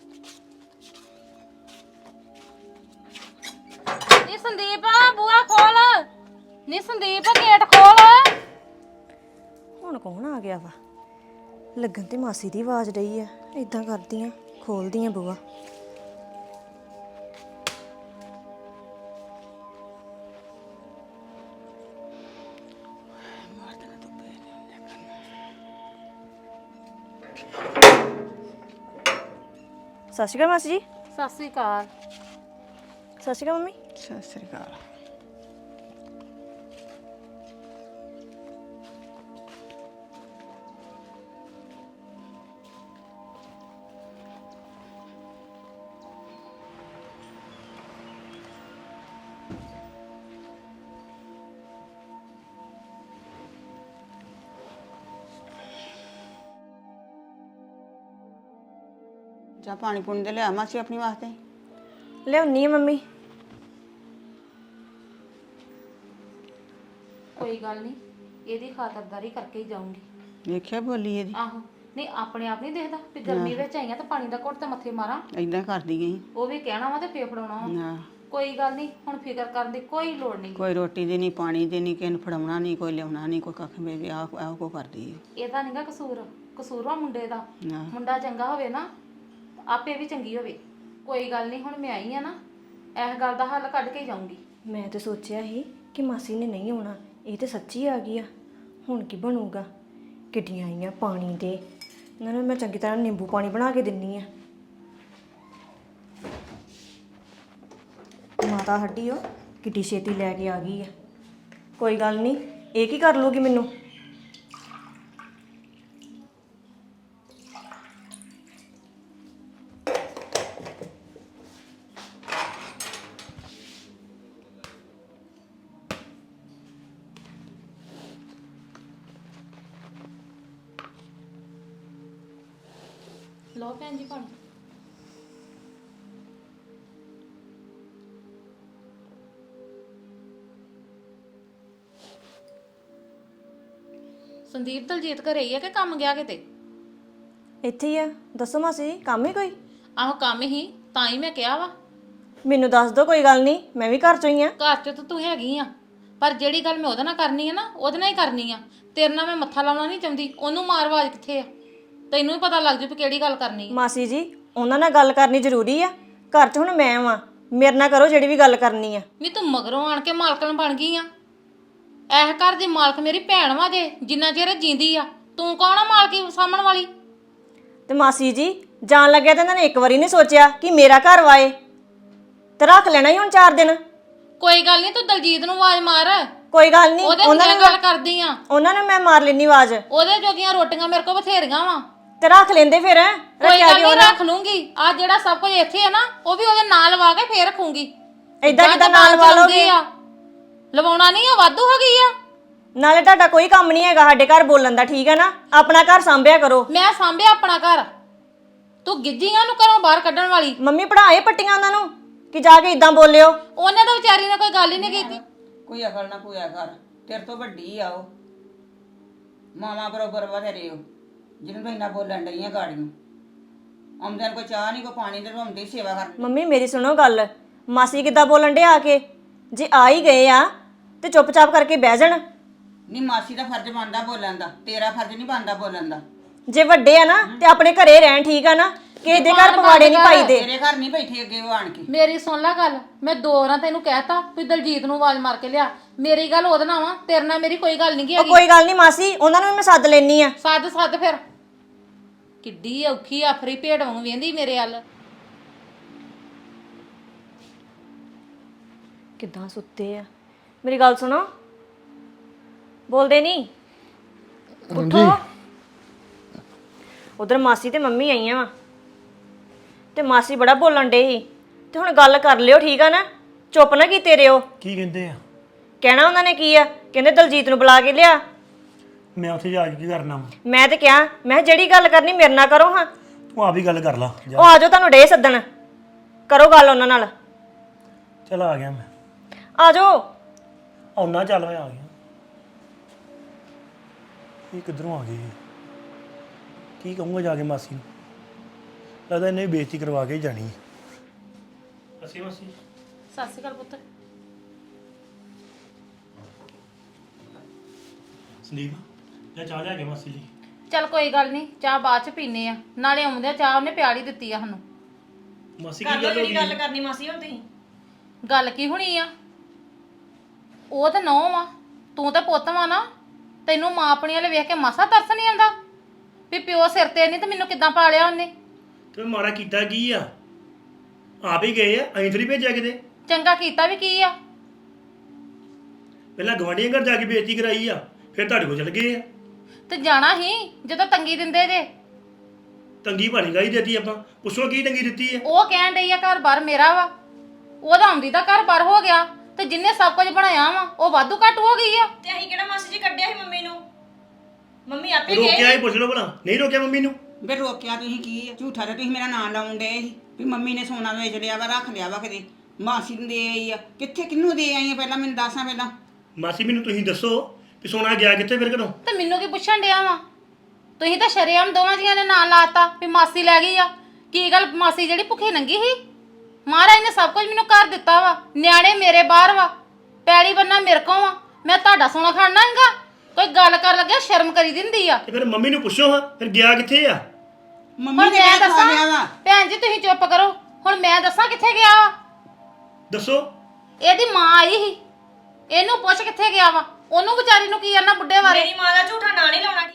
[SPEAKER 2] ਨੀ ਸੰਦੀਪ ਬੂਆ ਖੋਲ। ਨੀ ਸੰਦੀਪ ਗੇਟ ਖੋਲ।
[SPEAKER 5] ਹੁਣ ਕੌਣ ਆ ਗਿਆ ਵਾ? ਲੱਗਣ ਤੇ ਮਾਸੀ ਦੀ ਆਵਾਜ਼ ਡਈ ਆ। ਇਦਾਂ ਕਰਦੀ ਆ, ਖੋਲਦੀ ਆ ਬੂਆ। ਸਤਿ ਸ਼੍ਰੀ ਅਕਾਲ ਮਾਸੀ ਜੀ।
[SPEAKER 2] ਸਤਿ ਸ੍ਰੀ ਅਕਾਲ।
[SPEAKER 5] ਸਤਿ ਸ਼੍ਰੀ ਅਕਾਲ ਮੰਮੀ।
[SPEAKER 4] ਸਤਿ ਸ੍ਰੀ ਅਕਾਲ। ਜਾ ਪਾਣੀ ਪੁਣੀ ਦੇ ਲਿਆ ਮਾਸੀ ਆਪਣੀ ਵਾਸਤੇ।
[SPEAKER 5] ਲਿਆਉਣੀ ਆ ਮੰਮੀ।
[SPEAKER 2] ਕੋਈ ਗੱਲ ਨਹੀਂ, ਇਹਦੀ ਖਾਤਰਦਾਰੀ ਕਰਕੇ ਹੀ ਜਾਊਂਗੀ।
[SPEAKER 4] ਵੇਖਿਆ ਬੋਲੀ ਇਹਦੀ
[SPEAKER 2] ਆਹੋ, ਨਹੀਂ ਆਪਣੇ ਆਪ ਨਹੀਂ ਦੇਖਦਾ ਵੀ ਗਰਮੀ ਵਿੱਚ ਆਈਆਂ ਤਾਂ ਪਾਣੀ ਦਾ ਘੁੱਟ ਤੇ ਮੱਥੇ ਮਾਰਾਂ।
[SPEAKER 4] ਏਦਾਂ ਕਰਦੀ ਗਈ।
[SPEAKER 2] ਉਹ ਵੀ ਕਹਿਣਾ ਵਾ ਤੇ ਫੇਰ ਫੜਾਉਣਾ ਵਾ।
[SPEAKER 4] ਨਾ
[SPEAKER 2] ਕੋਈ ਗੱਲ ਨਹੀਂ, ਹੁਣ ਫਿਕਰ ਕਰਨ ਦੀ ਕੋਈ ਲੋੜ ਨਹੀਂ।
[SPEAKER 4] ਕੋਈ ਰੋਟੀ ਦੀ ਨਹੀਂ, ਪਾਣੀ ਦੀ ਨਹੀਂ, ਕਿਸੇ ਨੂੰ ਫੜਾਉਣਾ ਨਹੀਂ, ਕੋਈ ਲਿਆਉਣਾ ਨਹੀਂ, ਕੋਈ ਕੱਖ ਵੇ ਆਹ ਆਹ ਕੋ ਕਰਦੀ ਹੈ।
[SPEAKER 2] ਇਹਦਾ ਨਹੀਂਗਾ ਕਸੂਰ, ਕਸੂਰ ਵਾ ਮੁੰਡੇ ਦਾ।
[SPEAKER 4] ਨਾ
[SPEAKER 2] ਮੁੰਡਾ ਚੰਗਾ ਹੋਵੇ ਨਾ, ਆਪੇ ਵੀ ਚੰਗੀ ਹੋਵੇ। ਕੋਈ ਗੱਲ ਨਹੀਂ, ਹੁਣ ਮੈਂ ਆਈ ਆ ਨਾ, ਇਸ ਗੱਲ ਦਾ ਹੱਲ ਕੱਢ ਕੇ ਹੀ ਜਾਊਂਗੀ।
[SPEAKER 5] ਮੈਂ ਤੇ ਸੋਚਿਆ ਸੀ ਕਿ ਮਾਸੀ ਨੇ ਨਹੀਂ ਆਉਣਾ, ਇਹ ਤੇ ਸੱਚੀ ਆ ਗਈ ਆ। ਹੁਣ ਕੀ ਬਣੂਗਾ? ਕਿੱਡੀਆਂ ਆਈਆਂ ਪਾਣੀ ਦੇ, ਇਹਨਾਂ ਨੂੰ ਮੈਂ ਚੰਗੀ ਤਰ੍ਹਾਂ ਨਿੰਬੂ ਪਾਣੀ ਬਣਾ ਕੇ ਦਿੰਨੀ ਆ। ਮਾਤਾ ਹੱਡੀ ਉਹ ਕਿੱਡੀ ਛੇਤੀ ਲੈ ਕੇ ਆ ਗਈ ਆ। ਕੋਈ ਗੱਲ ਨਹੀਂ, ਇਹ ਕੀ ਕਰ ਲੂਗੀ ਮੈਨੂੰ।
[SPEAKER 2] ਲਓ ਭੈਣ ਜੀ ਪਾਣੀ। ਸੰਦੀਪ ਦਲਜੀਤ ਘਰੇ ਹੀ ਆ ਕਿ ਕੰਮ ਗਿਆ ਕਿਤੇ?
[SPEAKER 5] ਇੱਥੇ ਹੀ ਆ। ਦੱਸੋ ਮਾਸੀ ਜੀ, ਕੰਮ ਹੀ ਕੋਈ?
[SPEAKER 2] ਆਹੋ ਕੰਮ ਹੀ, ਤਾਂ ਹੀ ਮੈਂ ਕਿਹਾ ਵਾ।
[SPEAKER 5] ਮੈਨੂੰ ਦੱਸ ਦਿਓ, ਕੋਈ ਗੱਲ ਨਹੀਂ, ਮੈਂ ਵੀ ਘਰ ਚੋਂ ਹੀ ਆ।
[SPEAKER 2] ਘਰ 'ਚ ਤਾਂ ਤੂੰ ਹੈਗੀ ਆ, ਪਰ ਜਿਹੜੀ ਗੱਲ ਮੈਂ ਉਹਦੇ ਨਾਲ ਕਰਨੀ ਆ ਨਾ, ਉਹਦੇ ਨਾਲ ਹੀ ਕਰਨੀ ਆ। ਤੇਰੇ ਨਾਲ ਮੈਂ ਮੱਥਾ ਲਾਉਣਾ ਨਹੀਂ ਚਾਹੁੰਦੀ। ਉਹਨੂੰ ਮਾਰ ਆਵਾਜ਼ ਕਿੱਥੇ ਆ, ਤੈਨੂੰ ਵੀ ਪਤਾ ਲੱਗ ਜੂ ਵੀ ਕਿਹੜੀ ਗੱਲ ਕਰਨੀ।
[SPEAKER 5] ਮਾਸੀ ਜੀ, ਉਹਨਾਂ ਨਾਲ ਗੱਲ ਕਰਨੀ ਜ਼ਰੂਰੀ ਆ। ਘਰ 'ਚ ਹੁਣ ਮੈਂ ਵਾਂ, ਮੇਰੇ ਨਾਲ ਕਰੋ ਜਿਹੜੀ ਵੀ ਗੱਲ ਕਰਨੀ ਆ।
[SPEAKER 2] ਨਹੀਂ ਤੂੰ ਮਗਰੋਂ ਆਣ ਕੇ ਮਾਲਕਣ ਬਣ ਗਈ ਆ। ਇਹ ਘਰ ਦੀ ਮਾਲਕ ਮੇਰੀ ਭੈਣ ਵਾ ਜੇ, ਜਿੰਨਾ ਚਿਰ ਇਹ ਜਿੰਦੀ ਆ। ਤੂੰ ਕੌਣ ਆ ਮਾਲਕੀ ਸਾਂਭਣ ਵਾਲੀ?
[SPEAKER 5] ਤੇ ਮਾਸੀ ਜੀ, ਜਾਣ ਲੱਗਿਆ ਤਾਂ ਇਹਨਾਂ ਨੇ ਇੱਕ ਵਾਰੀ ਨਹੀਂ ਸੋਚਿਆ ਕਿ ਮੇਰਾ ਘਰ ਵਾਏ, ਤੇ ਰੱਖ ਲੈਣਾ ਹੀ ਹੁਣ ਚਾਰ ਦਿਨ।
[SPEAKER 2] ਕੋਈ ਗੱਲ ਨਹੀਂ, ਤੂੰ ਦਲਜੀਤ ਨੂੰ ਆਵਾਜ਼ ਮਾਰ।
[SPEAKER 5] ਕੋਈ ਗੱਲ ਨਹੀਂ,
[SPEAKER 2] ਉਹਦੇ
[SPEAKER 5] ਉਹਨਾਂ
[SPEAKER 2] ਨਾਲ
[SPEAKER 5] ਨੇ
[SPEAKER 2] ਗੱਲ ਕਰਦੀ ਆ।
[SPEAKER 5] ਉਹਨਾਂ ਨੂੰ ਮੈਂ ਮਾਰ ਲੈਣੀ ਆਵਾਜ਼,
[SPEAKER 2] ਉਹਦੇ ਜੋਗੀਆਂ ਰੋਟੀਆਂ ਮੇਰੇ ਕੋਲ ਬਥੇਰੀਆਂ ਵਾ।
[SPEAKER 5] ਤੇ ਰੱਖ ਲੈਂਦੇ ਫਿਰ।
[SPEAKER 2] ਕੋਈ ਗੱਲ ਨਹੀਂ, ਰੱਖ ਲੂੰਗੀ। ਆ ਜਿਹੜਾ ਸਭ ਕੁਝ ਇੱਥੇ ਹੈ ਨਾ, ਉਹ ਵੀ ਉਹਦੇ ਨਾਲ ਲਵਾ ਕੇ ਫੇਰ ਰੱਖੂੰਗੀ।
[SPEAKER 5] ਏਦਾਂ ਕਿੱਦਾਂ ਨਾਲ ਲਵਾ ਲਓਗੇ?
[SPEAKER 2] ਲਵਾਉਣਾ ਨਹੀਂ ਆ, ਵਾਧੂ ਹੋ ਗਈ ਆ।
[SPEAKER 5] ਨਾਲੇ ਤੁਹਾਡਾ ਕੋਈ ਕੰਮ ਨਹੀਂ ਹੈਗਾ ਸਾਡੇ ਘਰ ਬੋਲਣ ਦਾ, ਠੀਕ ਹੈ ਨਾ? ਆਪਣਾ ਘਰ ਸੰਭਿਆ ਕਰੋ।
[SPEAKER 2] ਮੈਂ ਸਾਂਭਿਆ ਆਪਣਾ ਘਰ, ਤੂੰ ਗਿੱਜੀਆਂ ਨੂੰ ਘਰੋਂ ਬਾਹਰ ਕੱਢਣ ਵਾਲੀ।
[SPEAKER 5] ਮੰਮੀ ਪੜਾਏ ਪੱਟੀਆਂ ਉਹਨਾਂ ਨੂੰ ਕਿ ਜਾ ਕੇ ਇਦਾਂ ਬੋਲਿਓ।
[SPEAKER 2] ਉਹਨੇ ਤਾਂ ਵਿਚਾਰੀ ਨੇ ਕੋਈ ਗੱਲ ਹੀ ਨਹੀਂ ਕੀਤੀ।
[SPEAKER 4] ਕੋਈ ਅਕਲ ਨਾ ਪੂਆ ਕਰ, ਤੇਰੇ ਤੋਂ ਵੱਡੀ ਆ ਉਹ। ਮਾਮਾ ਬਰੋਬਰ ਵਧੇਰੇ ਉਹ, ਜਿਹਨੂੰ ਤੂੰ ਇੰਨਾ ਬੋਲਣ ਡਈਆਂ ਗਾੜੀਆਂ। ਆਉਂਦਿਆਂ ਕੋਈ ਚਾਹ ਨਹੀਂ, ਕੋਈ ਪਾਣੀ ਦੇ, ਆਉਂਦੀ ਸੇਵਾ ਕਰ।
[SPEAKER 5] ਮੰਮੀ ਮੇਰੀ ਸੁਣੋ ਗੱਲ, ਮਾਸੀ ਕਿੱਦਾਂ ਬੋਲਣ ਡੇ ਆ ਕੇ? ਜੇ ਆ ਹੀ ਗਏ ਆ ਤੇ ਚੁੱਪਚਾਪ ਕਰਕੇ ਬਹਿ ਜਾਣ।
[SPEAKER 4] ਨਹੀਂ, ਮਾਸੀ ਦਾ ਫਰਜ਼ ਬਣਦਾ ਬੋਲਣ ਦਾ, ਤੇਰਾ ਫਰਜ਼ ਨਹੀਂ ਬਣਦਾ ਬੋਲਣ ਦਾ।
[SPEAKER 5] ਜੇ ਵੱਡੇ ਆ ਨਾ ਤੇ ਆਪਣੇ ਘਰੇ ਰਹਿਣ, ਠੀਕ ਆ ਨਾ? ਕਿਸੇ ਦੇ ਘਰ ਪਵਾੜੇ ਨਹੀਂ ਪਾਈਦੇ।
[SPEAKER 4] ਤੇਰੇ ਘਰ ਨਹੀਂ ਬੈਠੇ ਅੱਗੇ ਉਹ ਆਣ ਕੇ।
[SPEAKER 2] ਮੇਰੀ ਸੁਣ ਲੈ ਗੱਲ, ਮੈਂ ਦੋ ਵਾਰਾਂ ਤੈਨੂੰ ਕਹਿਤਾ ਵੀ ਦਲਜੀਤ ਨੂੰ ਆਵਾਜ਼ ਮਾਰ ਕੇ ਲਿਆ। ਮੇਰੀ ਗੱਲ ਉਹਦੇ ਨਾਲ ਵਾ, ਤੇਰੇ ਨਾਲ ਮੇਰੀ ਕੋਈ ਗੱਲ ਨਹੀਂ
[SPEAKER 5] ਉਹ
[SPEAKER 2] ਹੈਗੀ।
[SPEAKER 5] ਕੋਈ ਗੱਲ ਨਹੀਂ ਮਾਸੀ, ਉਹਨਾਂ ਨੂੰ ਵੀ ਮੈਂ ਸੱਦ ਲੈਣੀ ਆ।
[SPEAKER 2] ਸੱਦ ਸੱਦ ਫਿਰ। ਕਿੱਡੀ ਔਖੀ ਆਫਰੀ ਭੇਡ ਵਾਂਗ ਵੇਂਦੀ ਮੇਰੇ ਵੱਲ।
[SPEAKER 5] ਕਿੱਦਾਂ ਸੁੱਤੇ ਆ? ਮੇਰੀ ਗੱਲ ਸੁਣੋ, ਬੋਲਦੇ ਨਹੀਂ। ਉੱਠੋ। ਉਧਰ ਮਾਸੀ ਤੇ ਮੰਮੀ ਆਈਆਂ ਵਾ, ਤੇ ਮਾਸੀ ਬੜਾ ਬੋਲਣ ਡੇ ਸੀ। ਤੇ ਹੁਣ ਗੱਲ ਕਰ ਲਿਓ, ਠੀਕ ਆ ਨਾ? ਚੁੱਪ ਨਾ ਕੀਤੇ ਰਿਓ।
[SPEAKER 3] ਕੀ ਕਹਿੰਦੇ ਆ?
[SPEAKER 5] ਕਹਿਣਾ ਉਹਨਾਂ ਨੇ ਕੀ ਆ? ਕਹਿੰਦੇ ਦਲਜੀਤ ਨੂੰ ਬੁਲਾ ਕੇ ਲਿਆ।
[SPEAKER 3] ਮੈਂ ਉੱਥੇ ਜਾ ਕੇ ਕੀ ਕਰਨਾ ਵਾ?
[SPEAKER 5] ਮੈਂ ਤੇ ਕਿਹਾ, ਮੈਂ ਜਿਹੜੀ ਗੱਲ ਕਰਨੀ ਮੇਰੇ ਨਾਲ ਕਰੋ ਹਾਂ।
[SPEAKER 3] ਤੂੰ ਆਪ ਹੀ ਗੱਲ ਕਰ ਲਾ ਜਾ।
[SPEAKER 5] ਉਹ ਆ ਜਾਓ, ਤੁਹਾਨੂੰ ਡੇ ਸੱਦਣ, ਕਰੋ ਗੱਲ ਉਹਨਾਂ ਨਾਲ।
[SPEAKER 3] ਚਲ ਆ ਗਿਆ ਮੈਂ।
[SPEAKER 5] ਆ ਜਾਓ।
[SPEAKER 3] ਆਉਣਾ, ਚੱਲ ਮੈਂ ਆ ਗਿਆ। ਇਹ ਕਿੱਧਰੋਂ ਆ ਗਈ? ਕੀ ਕਹੂੰਗਾ ਜਾ ਕੇ ਮਾਸੀ ਨੂੰ? ਲੱਗਦਾ ਇਹਨੇ ਵੀ ਬੇਇੱਜ਼ਤੀ ਕਰਵਾ ਕੇ ਹੀ ਜਾਣੀ ਹੈ। ਅਸੀਂ ਮਾਸੀ
[SPEAKER 2] ਸਤਿ ਸ਼੍ਰੀ ਅਕਾਲ ਪੁੱਤ।
[SPEAKER 3] ਸੰਦੀਪ ਜਾ ਚਾਹ ਲਿਆ ਕੇ ਮਾਸੀ ਜੀ।
[SPEAKER 2] ਚੱਲ ਕੋਈ ਗੱਲ ਨਹੀਂ, ਚਾਹ ਬਾਅਦ ਚ ਪੀਨੇ ਆ। ਨਾਲੇ ਆਉਂਦੇ ਚਾਹ ਉਹਨੇ ਪਿਆਲੀ ਦਿੱਤੀ ਆ ਸਾਨੂੰ।
[SPEAKER 3] ਮਾਸੀ
[SPEAKER 1] ਕਰ
[SPEAKER 3] ਕੀ
[SPEAKER 1] ਲਓ
[SPEAKER 3] ਗੱਲ ਹੋ
[SPEAKER 1] ਜਿਹੜੀ ਗੱਲ
[SPEAKER 3] ਗਈ?
[SPEAKER 1] ਕਰਨੀ ਮਾਸੀ ਹੁਣ ਤੁਸੀਂ।
[SPEAKER 2] ਗੱਲ ਕੀ ਹੋਣੀ ਆ? ਉਹ ਤਾਂ ਨੌਂ ਵਾ, ਤੂੰ ਤਾਂ ਪੁੱਤ ਵਾ ਨਾ। ਤੈਨੂੰ ਮਾਂ ਆਪਣੀ ਵਾਲੇ ਵੇਖ ਕੇ ਮਾਸਾ ਤਰਸ ਨਹੀਂ ਆਉਂਦਾ? ਵੀ ਪਿਓ ਸਿਰ ਤੇ ਨਹੀਂ ਤੇ ਮੈਨੂੰ ਕਿੱਦਾਂ ਪਾਲਿਆ ਉਹਨੇ।
[SPEAKER 3] ਤੇ ਮਾੜਾ ਕੀਤਾ ਕੀ ਆ? ਆਪ ਹੀ ਗਏ ਆ, ਅਸੀਂ ਥੋੜੀ ਭੇਜਿਆ ਕਿਤੇ।
[SPEAKER 2] ਚੰਗਾ ਕੀਤਾ ਵੀ ਕੀ ਆ?
[SPEAKER 3] ਪਹਿਲਾਂ ਗਵਾਂਢੀਆਂ ਘਰ ਜਾ ਕੇ ਬੇਇੱਜ਼ਤੀ ਕਰਾਈ ਆ, ਫਿਰ ਤੁਹਾਡੇ ਕੋਲ ਚਲ ਗਏ ਆ।
[SPEAKER 2] ਤੇ ਜਾਣਾ ਹੀ ਜਦੋਂ ਤੰਗੀ ਦਿੰਦੇ ਜੇ।
[SPEAKER 3] ਤੰਗੀ ਭਾਣੀ ਗਾਈ ਦਿੱਤੀ ਆਪਾਂ, ਪੁੱਛੋ ਕੀ ਤੰਗੀ ਦਿੱਤੀ ਆ?
[SPEAKER 2] ਉਹ ਕਹਿਣ ਡਈ ਆ ਘਰ ਬਾਰ ਮੇਰਾ ਵਾ, ਉਹਦਾ ਆਉਂਦੀ ਦਾ ਘਰ ਬਾਰ ਹੋ ਗਿਆ ਤੇ ਜਿੰਨੇ ਸਭ ਕੁਝ ਬਣਾਇਆ ਵਾ ਉਹ ਵਾਧੂ ਘੱਟ ਹੋ ਗਈ ਆ।
[SPEAKER 1] ਤੇ ਅਸੀਂ ਕਿਹੜਾ ਮਾਸੀ ਜੀ ਕੱਢਿਆ ਸੀ ਮੰਮੀ ਨੂੰ? ਮੰਮੀ ਆਪੇ ਗਏ
[SPEAKER 3] ਰੋਕਿਆ ਹੀ ਪੁੱਛ ਲਓ ਭਲਾ, ਨਹੀਂ ਰੋਕਿਆ ਮੰਮੀ ਨੂੰ?
[SPEAKER 4] ਬੇ ਰੋਕਿਆ ਤੁਸੀਂ ਕੀ ਆ? ਝੂਠਾ ਤੇ ਤੁਸੀਂ ਮੇਰਾ ਨਾਂ ਲਾਉਣ ਡਏ ਸੀ ਵੀ ਮੰਮੀ ਨੇ ਸੋਨਾ ਵੇਚ ਲਿਆ ਵਾ, ਰੱਖ ਲਿਆ ਵਾ ਕਿਤੇ। ਮਾਸੀ ਨੂੰ ਦੇ ਆਈ ਆ, ਕਿੱਥੇ ਕਿਹਨੂੰ ਦੇ ਆਈ ਆ ਪਹਿਲਾਂ ਮੈਨੂੰ ਦੱਸਾਂ ਪਹਿਲਾਂ।
[SPEAKER 3] ਮਾਸੀ ਮੈਨੂੰ ਤੁਸੀਂ ਦੱਸੋ ਵੀ ਸੋਨਾ ਗਿਆ ਕਿੱਥੇ ਫਿਰ ਘਰੋਂ?
[SPEAKER 2] ਤੇ ਮੈਨੂੰ ਕੀ ਪੁੱਛਣ ਡਿਆ ਵਾ? ਤੁਸੀਂ ਤਾਂ ਸ਼ਰੇਆਮ ਦੋਵਾਂ ਜੀਆਂ ਨੇ ਨਾਂ ਲਾਤਾ ਵੀ ਮਾਸੀ ਲੈ ਗਈ ਆ। ਕੀ ਗੱਲ ਮਾਸੀ ਜਿਹੜੀ ਭੁੱਖੀ ਨੰਗੀ ਸੀ? ਮਹਾਰਾਜ ਨੇ ਸਭ ਕੁਝ ਮੈਨੂੰ ਕਰ ਦਿੱਤਾ ਵਾ, ਨਿਆਣੇ ਮੇਰੇ ਬਾਹਰ ਵਾ, ਪੈਲੀ ਬੰਨਾ ਮੇਰੇ ਕੋਲ ਵਾ, ਮੈਂ ਤੁਹਾਡਾ ਸੋਨਾ ਖਾਣਾ ਹੈਗਾ? ਕੋਈ ਗੱਲ ਕਰ ਲੱਗਿਆ ਸ਼ਰਮ ਕਰੀ ਦਿੰਦੀ ਆ।
[SPEAKER 3] ਤੇ ਫਿਰ ਮੰਮੀ ਨੂੰ ਪੁੱਛੋ ਹਾਂ, ਫਿਰ ਗਿਆ ਕਿੱਥੇ ਆ?
[SPEAKER 4] ਮੰਮੀ
[SPEAKER 2] ਹੁਣ
[SPEAKER 4] ਨੇ
[SPEAKER 2] ਮੈਂ
[SPEAKER 4] ਕਿਹਾ
[SPEAKER 2] ਦੱਸਾਂ
[SPEAKER 4] ਲਿਆ ਵਾ।
[SPEAKER 2] ਭੈਣ ਜੀ ਤੁਸੀਂ ਚੁੱਪ ਕਰੋ, ਹੁਣ ਮੈਂ ਦੱਸਾਂ ਕਿੱਥੇ ਗਿਆ ਵਾ?
[SPEAKER 3] ਦੱਸੋ।
[SPEAKER 2] ਇਹਦੀ ਮਾਂ ਆਈ ਸੀ, ਇਹਨੂੰ ਪੁੱਛ ਕਿੱਥੇ ਗਿਆ ਵਾ। ਉਹਨੂੰ ਵਿਚਾਰੀ ਨੂੰ ਕੀ ਆਣਾ ਬੁੱਢੇ ਬਾਰੇ?
[SPEAKER 1] ਮੇਰੀ ਮਾਂ ਦਾ ਝੂਠਾ ਨਾਂ ਨਹੀਂ ਲਾਉਣਾ।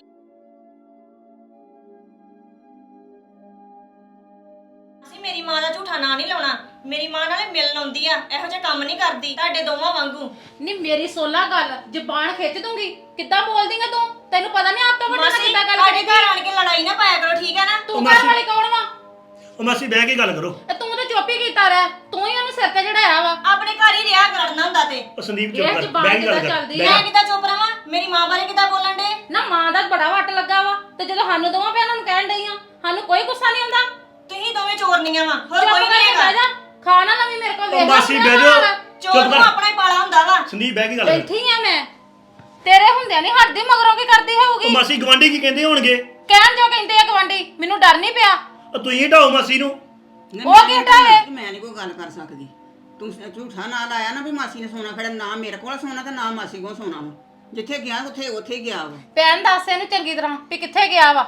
[SPEAKER 1] ਅਸੀਂ ਮੇਰੀ ਮਾਂ ਦਾ ਝੂਠਾ ਨਾਂ ਨਹੀਂ ਲਾਉਣਾ। ਮੇਰੀ ਮਾਂ ਨਾਲੇ ਮਿਲਣ ਆਉਂਦੀ ਆ, ਇਹੋ ਜਿਹਾ ਕੰਮ ਨਹੀਂ ਕਰਦੀ ਤੁਹਾਡੇ ਦੋਵਾਂ ਵਾਂਗੂ।
[SPEAKER 2] ਨਹੀਂ ਮੇਰੀ ਸੋਲਾ ਗੱਲ ਜ਼ਬਾਨ ਖਿੱਚ ਦੂੰਗੀ। ਕਿੱਦਾਂ ਬੋਲਦੀ ਆ ਤੂੰ? ਤੈਨੂੰ ਪਤਾ ਨਹੀਂ ਆਪ ਤੋਂ ਵੱਡਾ
[SPEAKER 1] ਮਾਸੀ
[SPEAKER 2] ਕਿੱਦਾਂ ਗੱਲ
[SPEAKER 1] ਸਾਡੇ
[SPEAKER 2] ਕਰੇਗੀ?
[SPEAKER 1] ਘਰ ਆਣ ਕੇ ਲੜਾਈ ਨਾ ਪਾਇਆ ਕਰੋ, ਠੀਕ ਹੈ ਨਾ?
[SPEAKER 2] ਤੂੰ
[SPEAKER 3] ਉਹ
[SPEAKER 2] ਘਰ
[SPEAKER 3] ਮਾਸੀ-
[SPEAKER 2] ਵਾਲੀ ਕੌਣ ਵਾ?
[SPEAKER 3] ਉਹ ਮਾਸੀ ਬਹਿ ਕੇ ਗੱਲ ਕਰੋ।
[SPEAKER 2] ਤੇ ਤੂੰ ਤਾਂ ਚੁੱਪ ਹੀ ਕੀਤਾ ਰਹਿ, ਤੂੰ ਹੀ ਉਹਨੂੰ ਸਿਰ ਤੇ ਚੜਾਇਆ ਵਾ।
[SPEAKER 1] ਆਪਣੇ ਘਰ ਹੀ ਰਿਹਾ ਕਰਨਾ ਹੁੰਦਾ ਤੇ।
[SPEAKER 3] ਉਹ ਸੰਦੀਪ
[SPEAKER 2] ਇਹ
[SPEAKER 3] ਚੁੱਪ ਕਰ,
[SPEAKER 2] ਜ਼ੁਬਾਨ
[SPEAKER 3] ਬਹਿ ਕੇ ਗੱਲ
[SPEAKER 2] ਕਿੱਦਾਂ
[SPEAKER 3] ਕਰ।
[SPEAKER 2] ਚੱਲਦੀ
[SPEAKER 3] ਬਹਿ
[SPEAKER 2] ਆ?
[SPEAKER 1] ਮੈਂ
[SPEAKER 3] ਜਾ।
[SPEAKER 1] ਕਿੱਦਾਂ ਚੁੱਪ ਰਵਾਂ? ਮੇਰੀ ਮਾਂ ਬਾਰੇ ਕਿੱਦਾਂ ਬੋਲਣ ਡੇ?
[SPEAKER 2] ਨਾ ਮਾਂ ਦਾ ਬੜਾ ਵੱਟ ਲੱਗਾ ਵਾ ਤੇ ਜਦੋਂ ਸਾਨੂੰ ਦੋਵਾਂ ਭੈਣਾਂ ਨੂੰ ਕਹਿਣ ਡਈ ਆ, ਸਾਨੂੰ ਕੋਈ ਗੁੱਸਾ ਨਹੀਂ ਆਉਂਦਾ।
[SPEAKER 1] ਤੁਸੀਂ ਦੋਵੇਂ ਚੋਰਨੀਆਂ ਵਾ, ਹੋਰ
[SPEAKER 2] ਚੁੱਪ
[SPEAKER 1] ਕੋਈ ਨਹੀਂ
[SPEAKER 2] ਕਰਕੇ ਬਹਿ
[SPEAKER 1] ਹੈਗਾ।
[SPEAKER 2] ਜਾ, ਖਾਣਾ ਨਾ ਵੀ ਮੇਰੇ ਕੋਲ
[SPEAKER 3] ਉਹ
[SPEAKER 2] ਵੇਖ ਲੈ
[SPEAKER 3] ਮਾਸੀ
[SPEAKER 2] ਆਪਣਾ
[SPEAKER 3] ਬਹਿ ਜਾਓ।
[SPEAKER 2] ਹਾਲ।
[SPEAKER 1] ਚੋਰ
[SPEAKER 3] ਚੁੱਪ
[SPEAKER 1] ਨੂੰ
[SPEAKER 3] ਕਰ।
[SPEAKER 1] ਆਪਣਾ ਹੀ ਪਾਲਾ ਹੁੰਦਾ ਵਾ।
[SPEAKER 3] ਸੰਦੀਪ ਬਹਿ ਕੇ ਗੱਲ ਕਰ।
[SPEAKER 2] ਬੈਠੀ ਆ ਮੈਂ, ਤੇਰੇ ਹੁੰਦਿਆਂ ਨਹੀਂ ਹਟਦੀ, ਮਗਰੋਂ ਕੀ ਕਰਦੀ
[SPEAKER 3] ਉਹ
[SPEAKER 2] ਹੋਊਗੀ?
[SPEAKER 3] ਮਾਸੀ ਗਵਾਂਢੀ ਕੀ ਕਹਿੰਦੇ ਹੋਣਗੇ?
[SPEAKER 2] ਕਹਿਣ ਜੋ ਕਹਿੰਦੇ ਆ ਗਵਾਂਢੀ, ਮੈਨੂੰ ਡਰ ਨਹੀਂ ਪਿਆ।
[SPEAKER 3] ਉਹ ਤੁਸੀਂ ਹਟਾਓ ਮਾਸੀ ਨੂੰ।
[SPEAKER 4] ਨਹੀਂ,
[SPEAKER 2] ਉਹ
[SPEAKER 4] ਮੈਂ
[SPEAKER 2] ਕੀ
[SPEAKER 4] ਨਹੀਂ
[SPEAKER 2] ਹਟਾਵੇ?
[SPEAKER 4] ਕਰਨਾ, ਮੈਂ ਨਹੀਂ ਕੋਈ ਗੱਲ ਕਰ ਸਕਦੀ। ਤੂੰ ਝੂਠਾ ਨਾਂ ਲਾਇਆ ਨਾ ਵੀ ਮਾਸੀ ਨੇ ਸੋਨਾ ਖੜਾ, ਨਾ ਮੇਰੇ ਕੋਲ ਸੋਨਾ ਤੇ ਨਾ ਮਾਸੀ ਕੋਲ ਸੋਨਾ ਵਾ। ਜਿੱਥੇ ਗਿਆ ਉੱਥੇ ਉੱਥੇ ਹੀ ਗਿਆ ਵਾ।
[SPEAKER 2] ਭੈਣ ਦੱਸ ਇਹਨੂੰ ਚੰਗੀ ਤਰ੍ਹਾਂ ਵੀ ਕਿੱਥੇ ਗਿਆ ਵਾ।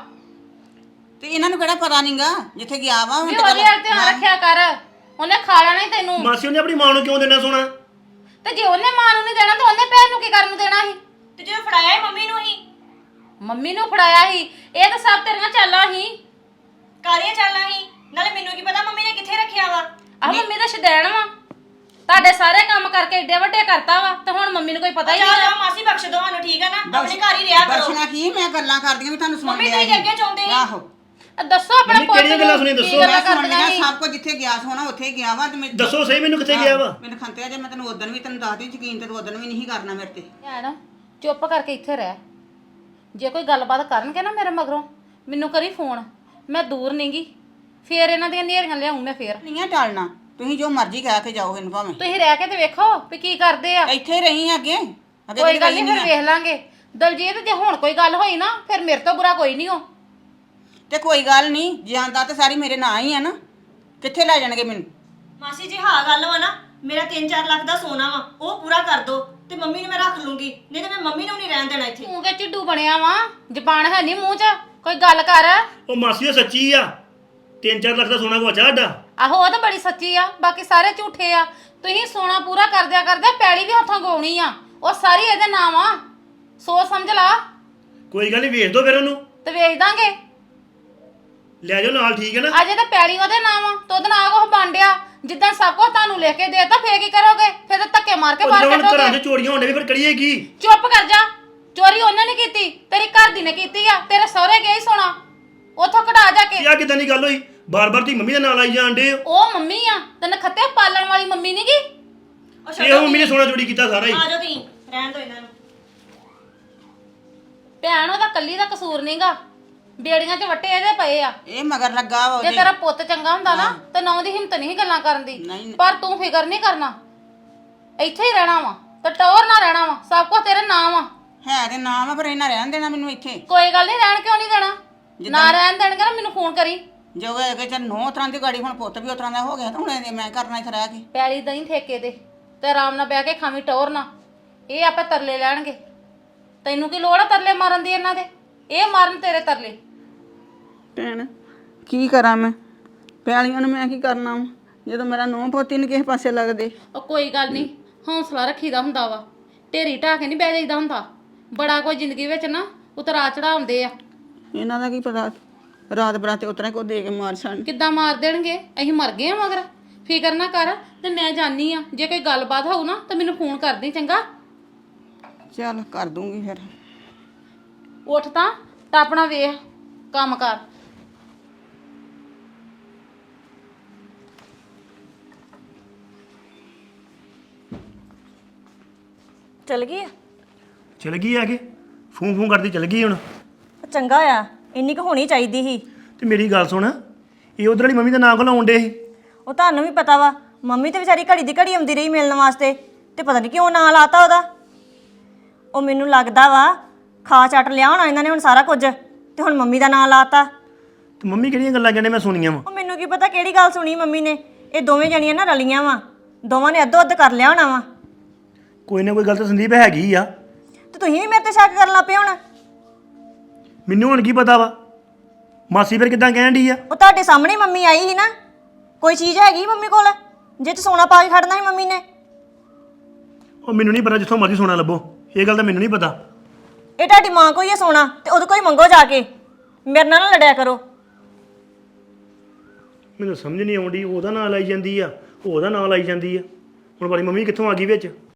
[SPEAKER 4] ਤੇ ਇਹਨਾਂ ਨੂੰ ਕਿਹੜਾ ਪਤਾ ਨਹੀਂਗਾ ਜਿੱਥੇ ਗਿਆ ਵਾ। ਹੁਣ
[SPEAKER 2] ਵੀ
[SPEAKER 4] ਤੇ
[SPEAKER 2] ਉਹਦੇ
[SPEAKER 4] ਗੱਲ-
[SPEAKER 2] ਵੱਲ ਧਿਆਨ ਰੱਖਿਆ ਕਰ, ਉਹਨੇ ਖਾ ਲੈਣਾ ਹੀ ਤੈਨੂੰ।
[SPEAKER 3] ਮਾਸੀ ਉਹਨੇ ਆਪਣੀ ਮਾਂ ਨੂੰ ਕਿਉਂ ਦੇਣਾ ਸੋਨਾ?
[SPEAKER 2] ਤੇ ਜੇ ਉਹਨੇ ਮਾਂ ਨੂੰ ਨਹੀਂ ਦੇਣਾ ਤਾਂ ਉਹਨੇ ਭੈਣ ਨੂੰ ਕੀ ਕਰਨ ਨੂੰ ਦੇਣਾ ਸੀ?
[SPEAKER 1] ਤੇ ਜਦੋਂ ਫੜਾਇਆ ਹੀ ਮੰਮੀ ਨੂੰ ਹੀ।
[SPEAKER 2] ਮੰਮੀ ਨੂੰ ਫੜਾਇਆ ਸੀ। ਇਹ ਤਾਂ ਸਭ ਤੇਰੀਆਂ ਚਾਲਾਂ ਸੀ।
[SPEAKER 1] ਕਾਹਦੀਆਂ ਚਾਲਾਂ ਹੀ? ਨਾਲੇ ਮੈਨੂੰ ਕੀ ਪਤਾ ਮੰਮੀ ਨੇ ਕਿੱਥੇ ਰੱਖਿਆ ਵਾ।
[SPEAKER 2] ਆਹ ਮੰਮੀ ਦਾ ਸ਼ਦੈਣ ਵਾ, ਤੁਹਾਡੇ ਸਾਰੇ ਕੰਮ ਕਰਕੇ ਏਡੇ ਵੱਡੇ ਕਰਤਾ ਵਾ ਤੇ ਹੁਣ ਮੰਮੀ ਨੂੰ ਕੋਈ ਪਤਾ ਹੀ
[SPEAKER 1] ਜਾ
[SPEAKER 2] ਨਹੀਂ।
[SPEAKER 1] ਜਾ ਮਾਸੀ ਬਖਸ਼ ਦੋ ਸਾਨੂੰ, ਠੀਕ ਹੈ ਨਾ? ਆਪਣੇ ਘਰ ਹੀ ਰਿਹਾ ਕਰੋ।
[SPEAKER 4] ਬਖਸ਼ਣਾ ਕੀ, ਮੈਂ ਗੱਲਾਂ ਕਰਦੀਆਂ ਵੀ ਤੁਹਾਨੂੰ ਸੁਣ
[SPEAKER 1] ਮੰਮੀ
[SPEAKER 4] ਲਿਆ
[SPEAKER 1] ਤੁਸੀਂ
[SPEAKER 4] ਸੀ।
[SPEAKER 1] ਅੱਗੇ ਚਾਹੁੰਦੇ ਸੀ।
[SPEAKER 4] ਆਹੋ
[SPEAKER 2] ਦੱਸੋ ਆਪਣੇ
[SPEAKER 3] ਮੰਮੀ
[SPEAKER 2] ਪੁੱਤ
[SPEAKER 3] ਕਿਹੜੀਆਂ ਗੱਲਾਂ
[SPEAKER 2] ਨੂੰ
[SPEAKER 3] ਸੁਣੀਆਂ
[SPEAKER 2] ਕੀ
[SPEAKER 3] ਦੱਸੋ।
[SPEAKER 2] ਗੱਲਾਂ
[SPEAKER 4] ਮੈਂ ਸੁਣ
[SPEAKER 2] ਕਰਦੀਆਂ
[SPEAKER 4] ਲਿਆ
[SPEAKER 2] ਸੀ?
[SPEAKER 4] ਸਭ ਕੁਝ, ਜਿੱਥੇ ਗਿਆ ਸੋਨਾ ਉੱਥੇ ਹੀ ਗਿਆ ਵਾ। ਤੇ ਮੈਂ
[SPEAKER 3] ਦੱਸੋ ਸਹੀ ਮੈਨੂੰ ਕਿੱਥੇ ਗਿਆ ਵਾ?
[SPEAKER 4] ਮੈਨੂੰ ਖੰਤਿਆ ਜੇ ਮੈਂ ਤੈਨੂੰ ਉਦੋਂ ਵੀ ਤੈਨੂੰ ਦੱਸਦੀ, ਯਕੀਨ ਤੇ ਤੂੰ ਉਦੋਂ ਵੀ ਨਹੀਂ ਕਰਨਾ ਮੇਰੇ ਤੇ।
[SPEAKER 2] ਭੈਣ ਚੁੱਪ ਕਰਕੇ ਇੱਥੇ ਰਹਿ। ਜੇ ਕੋਈ ਗੱਲਬਾਤ ਕਰਨਗੇ ਨਾ ਮੇਰੇ ਮਗਰੋਂ, ਮੈਨੂੰ ਕਰੀ ਫੋਨ, ਮੈਂ ਦੂਰ ਨਹੀਂਗੀ। ਫੇਰ ਇਹਨਾਂ ਦੀਆਂ ਨੇਰੀਆਂ ਲਿਆਉਂ ਮੈਂ ਫੇਰ।
[SPEAKER 4] ਨਹੀਂ ਆ ਟਾਲਣਾ, ਤੁਸੀਂ ਜੋ ਮਰਜ਼ੀ ਕਹਿ ਕੇ ਜਾਓ ਇਹਨੂੰ ਭਾਵੇਂ।
[SPEAKER 2] ਤੁਸੀਂ ਰਹਿ ਕੇ ਤੇ ਵੇਖੋ ਵੀ ਕੀ ਕਰਦੇ ਆ।
[SPEAKER 4] ਇੱਥੇ ਹੀ ਰਹੀ ਅੱਗੇ ਅੱਗੇ
[SPEAKER 2] ਕੋਈ
[SPEAKER 4] ਕਦੀ
[SPEAKER 2] ਗੱਲ
[SPEAKER 4] ਰਹੀ
[SPEAKER 2] ਨਹੀਂ, ਫਿਰ
[SPEAKER 4] ਨੀ ਆ।
[SPEAKER 2] ਵੇਖ ਲਾਂਗੇ। ਦਲਜੀਤ ਜੇ ਹੁਣ ਕੋਈ ਗੱਲ ਹੋਈ ਨਾ ਫਿਰ ਮੇਰੇ ਤੋਂ ਬੁਰਾ ਕੋਈ ਨਹੀਂ ਹੋ।
[SPEAKER 4] ਤੇ ਕੋਈ ਗੱਲ ਨਹੀਂ, ਜਾਂਦਾ ਤੇ ਸਾਰੀ ਮੇਰੇ ਨਾਂ ਹੀ ਆ ਨਾ। ਕਿੱਥੇ ਲੈ ਜਾਣਗੇ ਮੈਨੂੰ?
[SPEAKER 1] ਮਾਸੀ ਜੀ ਹਾਂ ਗੱਲ ਵਾ ਨਾ, ਮੇਰਾ ਤਿੰਨ ਚਾਰ ਲੱਖ ਦਾ ਸੋਨਾ ਵਾ, ਉਹ ਪੂਰਾ ਕਰ ਦੋ ਤੇ ਮੰਮੀ ਨੂੰ ਮੈਂ ਰੱਖ ਲੂੰਗੀ, ਨਹੀਂ ਤੇ ਮੈਂ ਮੰਮੀ ਨੂੰ ਨਹੀਂ ਰਹਿਣ ਦੇਣਾ ਇੱਥੇ।
[SPEAKER 2] ਤੂੰ ਕਿ ਚਿੱਡੂ ਬਣਿਆ ਵਾ, ਜ਼ਬਾਨ ਹੈ ਨਹੀਂ ਮੂੰਹ 'ਚ, ਕੋਈ ਗੱਲ ਕਰ।
[SPEAKER 3] ਉਹ ਮਾਸੀ ਉਹ ਸੱਚੀ ਆ, ਤਿੰਨ ਚਾਰ ਲੱਖ ਦਾ ਸੋਨਾ ਗਵਾਚਾ ਸਾਡਾ।
[SPEAKER 2] ਆਹੋ ਉਹ ਤਾਂ ਬੜੀ ਸੱਚੀ ਆ, ਬਾਕੀ ਸਾਰੇ ਝੂਠੇ ਆ। ਤੁਸੀਂ ਸੋਨਾ ਪੂਰਾ ਕਰਦਿਆ ਕਰਦਿਆ ਪੈਲੀ ਵੀ ਹੱਥੋਂ ਗਾਉਣੀ ਆ, ਉਹ ਸਾਰੀ ਇਹਦੇ ਨਾਮ ਆ। ਸੋਚ ਸਮਝ ਲਾ।
[SPEAKER 3] ਕੋਈ ਗੱਲ ਨਹੀਂ, ਵੇਚ ਦੋ ਫਿਰ ਉਹਨੂੰ,
[SPEAKER 2] ਤੇ ਵੇਚ ਦਾਂਗੇ।
[SPEAKER 3] ਲੈ ਜਾਓ ਨਾਲ, ਠੀਕ ਹੈ ਨਾ?
[SPEAKER 2] ਅਜੇ ਤਾਂ ਪੈਲੀ ਉਹਦੇ ਨਾਮ ਆ ਤੇ ਉਹਦੇ ਨਾਲ ਕੁਛ ਬਾਂਡਿਆ। ਜਿੱਦਾਂ ਸਭ ਕੁਝ ਤੁਹਾਨੂੰ ਲਿਖ ਕੇ ਦੇਤਾ ਫੇਰ ਕੀ ਕਰੋਗੇ? ਫੇਰ ਤਾਂ ਧੱਕੇ ਮਾਰ ਕੇ
[SPEAKER 3] ਉਹ
[SPEAKER 2] ਬਾਹਰ
[SPEAKER 3] ਜਦੋਂ ਹੁਣ ਘਰਾਂ
[SPEAKER 2] ਕੱਢੋਗੇ।
[SPEAKER 3] 'ਚ ਚੋਰੀਆਂ ਹੋਣੇ ਵੀ ਫਿਰ ਕਰੀਏ ਕੀ?
[SPEAKER 2] ਚੁੱਪ ਕਰ ਜਾ। ਚੋਰੀ ਉਹਨੇ ਨਹੀਂ ਕੀਤੀ, ਤੇਰੀ ਘਰ ਦੀ ਨੇ ਕੀਤੀ ਆ। ਤੇਰੇ ਸਹੁਰੇ ਗਿਆ ਹੀ ਸੋਨਾ, ਉੱਥੋਂ ਕਢਾ ਜਾ ਕੇ।
[SPEAKER 3] ਇਹ ਆ ਕਿਦਾਂ ਦੀ ਗੱਲ ਹੋਈ? ਬਾਰ-ਬਾਰ ਤੀ ਮੰਮੀ ਦਾ ਨਾਂ ਲਾਈ ਜਾਣ ਡੇ।
[SPEAKER 2] ਉਹ ਮੰਮੀ ਆ, ਤੈਨੂੰ ਖੱਤੇ ਪਾਲਣ ਵਾਲੀ ਮੰਮੀ ਨੀ ਗੀ।
[SPEAKER 1] ਉਹ
[SPEAKER 3] ਇਹ
[SPEAKER 1] ਛੱਡੋ
[SPEAKER 3] ਮੰਮੀ ਨੇ ਸੋਨਾ ਚੋਰੀ ਕੀਤਾ ਸਾਰਾ ਹੀ।
[SPEAKER 1] ਆ ਜਾਓ ਤੁਸੀਂ, ਰਹਿਣ ਦਿਓ ਇਹਨਾਂ ਨੂੰ।
[SPEAKER 2] ਭੈਣ ਉਹਦਾ ਕੱਲੀ ਦਾ ਕਸੂਰ ਨਹੀਂਗਾ, ਬੇੜੀਆਂ 'ਚ ਵੱਟੇ ਇਹਦੇ ਪਏ ਆ।
[SPEAKER 4] ਇਹ ਮਗਰ ਲੱਗਾ ਵਾ
[SPEAKER 2] ਜੇ
[SPEAKER 4] ਉਹਦੇ।
[SPEAKER 2] ਤੇਰਾ ਪੁੱਤ ਚੰਗਾ ਹੁੰਦਾ ਨਾ ਤੇ ਨੌ ਦੀ ਹਿੰਮਤ ਨਹੀਂ ਗੱਲਾਂ ਕਰਨ ਦੀ।
[SPEAKER 4] ਨਹੀਂ।
[SPEAKER 2] ਪਰ ਤੂੰ ਫਿਕਰ ਨਹੀਂ ਕਰਨਾ, ਇੱਥੇ ਹੀ ਰਹਿਣਾ ਵਾ ਤੇ ਟੌਰ ਨਾ ਰਹਿਣਾ ਵਾ। ਸਭ ਕੁਝ ਤੇਰੇ ਨਾਮ ਆ।
[SPEAKER 4] ਹੈ ਤੇ ਨਾਮ ਆ, ਪਰ ਇਹਨਾਂ ਰਹਿਣ ਦੇਣਾ ਮੈਨੂੰ ਇੱਥੇ।
[SPEAKER 2] ਕੋਈ ਗੱਲ ਨਹੀਂ, ਰਹਿਣ ਕਿਉਂ ਨਹੀਂ ਦੇਣਾ? ਨਾ ਰਹਿਣ ਦੇਣਗੇ ਨਾ ਮੈਨੂੰ ਫੋਨ ਕਰੀ।
[SPEAKER 4] ਜੋ ਕਿ ਚੱਲ ਨੌ ਤਰ੍ਹਾਂ ਦੀ ਗਾੜੀ, ਹੁਣ ਪੁੱਤ ਵੀ ਉਸ ਤਰ੍ਹਾਂ ਦਾ ਹੋ ਗਿਆ, ਤਾਂ ਹੁਣ ਇਹ ਮੈਂ ਕਰਨਾ ਇੱਥੇ ਰਹਿ ਕੇ।
[SPEAKER 2] ਪੈਲੀ ਦਹੀਂ ਠੇਕੇ ਦੇ ਤੇ ਆਰਾਮ ਨਾਲ ਬਹਿ ਕੇ ਖਾਵੀਂ ਟੌਰ ਨਾ। ਇਹ ਆਪੇ ਤਰਲੇ ਲੈਣਗੇ। ਤੈਨੂੰ ਕੀ ਲੋੜ ਆ ਤਰਲੇ ਮਾਰਨ ਦੀ ਇਹਨਾਂ ਦੇ? ਇਹ ਮਾਰਨ ਤੇਰੇ ਤਰਲੇ।
[SPEAKER 4] ਭੈਣ ਕੀ ਕਰਾਂ ਮੈਂ? ਪਿਆਲੀਆਂ ਨੂੰ ਮੈਂ ਕੀ ਕਰਨਾ ਵਾ ਜਦੋਂ ਮੇਰਾ ਨੌ ਪੋਤੀ ਨੂੰ ਕਿਸੇ ਪਾਸੇ ਲੱਗਦੇ।
[SPEAKER 2] ਉਹ ਕੋਈ ਗੱਲ ਨਹੀਂ, ਹੌਸਲਾ ਰੱਖੀਦਾ ਹੁੰਦਾ ਵਾ। ਢੇਰੀ ਢਾਹ ਕੇ ਨਹੀਂ ਬਹਿ ਜਾਈਦਾ ਹੁੰਦਾ। ਬੜਾ ਕੋਈ ਜ਼ਿੰਦਗੀ ਵਿੱਚ ਨਾ ਉਤਰਾ ਚੜਾ ਹੁੰਦੇ ਆ।
[SPEAKER 4] ਇਹਨਾਂ ਦਾ ਕੀ ਪਤਾ ਰਾਤ ਬਰਾਤੇ ਉਤਰਾ ਕੋ ਦੇ ਕੇ ਮਾਰ ਛੱਡ।
[SPEAKER 2] ਕਿੱਦਾਂ ਮਾਰ ਦੇਣਗੇ? ਅਸੀਂ ਮਰ ਗਏ ਆ ਮਗਰ। ਫਿਕਰ ਨਾ ਕਰ ਤੇ ਮੈਂ ਜਾਣੀ ਆ, ਜੇ ਕੋਈ ਗੱਲਬਾਤ ਹੋਊ ਨਾ ਤਾਂ ਮੈਨੂੰ ਫੋਨ ਕਰਦੀ ਚੰਗਾ।
[SPEAKER 4] ਚੱਲ ਕਰ ਦੂੰਗੀ ਫਿਰ।
[SPEAKER 2] ਉੱਠ ਤਾਂ ਤਾਂ ਆਪਣਾ ਵੇਖ ਕੰਮ ਕਰ।
[SPEAKER 1] ਚਲ ਗਈ ਆ?
[SPEAKER 3] ਚਲ ਗਈ ਆ ਕੇ ਫੋਨ ਫੋਨ ਕਰਦੀ ਚਲ ਗਈ ਹੁਣ।
[SPEAKER 1] ਚੰਗਾ ਆ, ਇੰਨੀ ਕੁ ਹੋਣੀ ਚਾਹੀਦੀ ਸੀ।
[SPEAKER 3] ਤੇ ਮੇਰੀ ਗੱਲ ਸੁਣ, ਇਹ ਉਧਰ ਵਾਲੀ ਮੰਮੀ ਦਾ ਨਾਂ ਘਲਾਉਣ ਡੇ ਸੀ।
[SPEAKER 1] ਉਹ ਤੁਹਾਨੂੰ ਵੀ ਪਤਾ ਵਾ, ਮੰਮੀ ਤੇ ਵਿਚਾਰੀ ਘੜੀ ਦੀ ਘੜੀ ਆਉਂਦੀ ਰਹੀ ਮਿਲਣ ਵਾਸਤੇ, ਤੇ ਪਤਾ ਨਹੀਂ ਕਿਉਂ ਨਾਂ ਲਾਤਾ ਉਹਦਾ। ਉਹ ਮੈਨੂੰ ਲੱਗਦਾ ਵਾ ਖਾ ਚੱਟ ਲਿਆ ਹੋਣਾ ਇਹਨਾਂ ਨੇ ਹੁਣ ਸਾਰਾ ਕੁਝ, ਤੇ ਹੁਣ ਮੰਮੀ ਦਾ ਨਾਂ ਲਾਤਾ।
[SPEAKER 3] ਤੇ ਮੰਮੀ ਕਿਹੜੀਆਂ ਗੱਲਾਂ ਕਹਿੰਦੇ ਮੈਂ ਸੁਣੀਆਂ ਵਾ?
[SPEAKER 1] ਉਹ ਮੈਨੂੰ ਕੀ ਪਤਾ ਕਿਹੜੀ ਗੱਲ ਸੁਣੀ ਮੰਮੀ ਨੇ। ਇਹ ਦੋਵੇਂ ਜਣੀਆਂ ਨਾ ਰਲੀਆਂ ਵਾ, ਦੋਵਾਂ ਨੇ ਅੱਧੋ ਅੱਧ ਕਰ ਲਿਆ ਹੋਣਾ ਵਾ।
[SPEAKER 3] ਕੋਈ ਨਾ ਕੋਈ ਗੱਲ ਤਾਂ ਸੰਦੀਪ ਹੈਗੀ ਆ।
[SPEAKER 1] ਤੇ ਤੁਸੀਂ ਵੀ ਮੇਰੇ ਤੇ ਸ਼ੱਕ ਕਰਨ ਲੱਗ ਪਏ ਹੁਣ।
[SPEAKER 3] ਮੈਨੂੰ ਹੁਣ ਕੀ ਪਤਾ ਵਾ, ਮਾਸੀ ਫਿਰ ਕਿੱਦਾਂ ਕਹਿਣ ਡਈ ਆ?
[SPEAKER 1] ਉਹ ਤੁਹਾਡੇ ਸਾਹਮਣੇ ਮੰਮੀ ਆਈ ਸੀ ਨਾ, ਕੋਈ ਚੀਜ਼ ਹੈਗੀ ਮੰਮੀ ਕੋਲ ਜੇ ਚ ਸੋਨਾ ਪਾ ਕੇ ਖੜਨਾ ਸੀ ਮੰਮੀ ਨੇ।
[SPEAKER 3] ਉਹ ਮੈਨੂੰ ਨਹੀਂ ਪਤਾ, ਜਿੱਥੋਂ ਮਰਜ਼ੀ ਸੋਨਾ ਲੱਭੋ, ਇਹ ਗੱਲ ਤਾਂ ਮੈਨੂੰ ਨਹੀਂ ਪਤਾ।
[SPEAKER 1] ਇਹ ਤੁਹਾਡੀ ਮਾਂ ਕੋਈ ਹੈ ਸੋਨਾ, ਤੇ ਉਹਦੇ ਕੋਈ ਮੰਗੋ ਜਾ ਕੇ, ਮੇਰੇ ਨਾਲ ਨਾ ਲੜਿਆ ਕਰੋ।
[SPEAKER 3] ਮੈਨੂੰ ਸਮਝ ਨਹੀਂ ਆਉਂਦੀ, ਉਹਦਾ ਨਾਂ ਲਾਈ ਜਾਂਦੀ ਆ, ਉਹਦਾ ਨਾਂ ਲਾਈ ਜਾਂਦੀ ਆ। ਹੁਣ ਵਾਲੀ ਮੰਮੀ ਕਿੱਥੋਂ ਆ ਗਈ ਵਿੱਚ?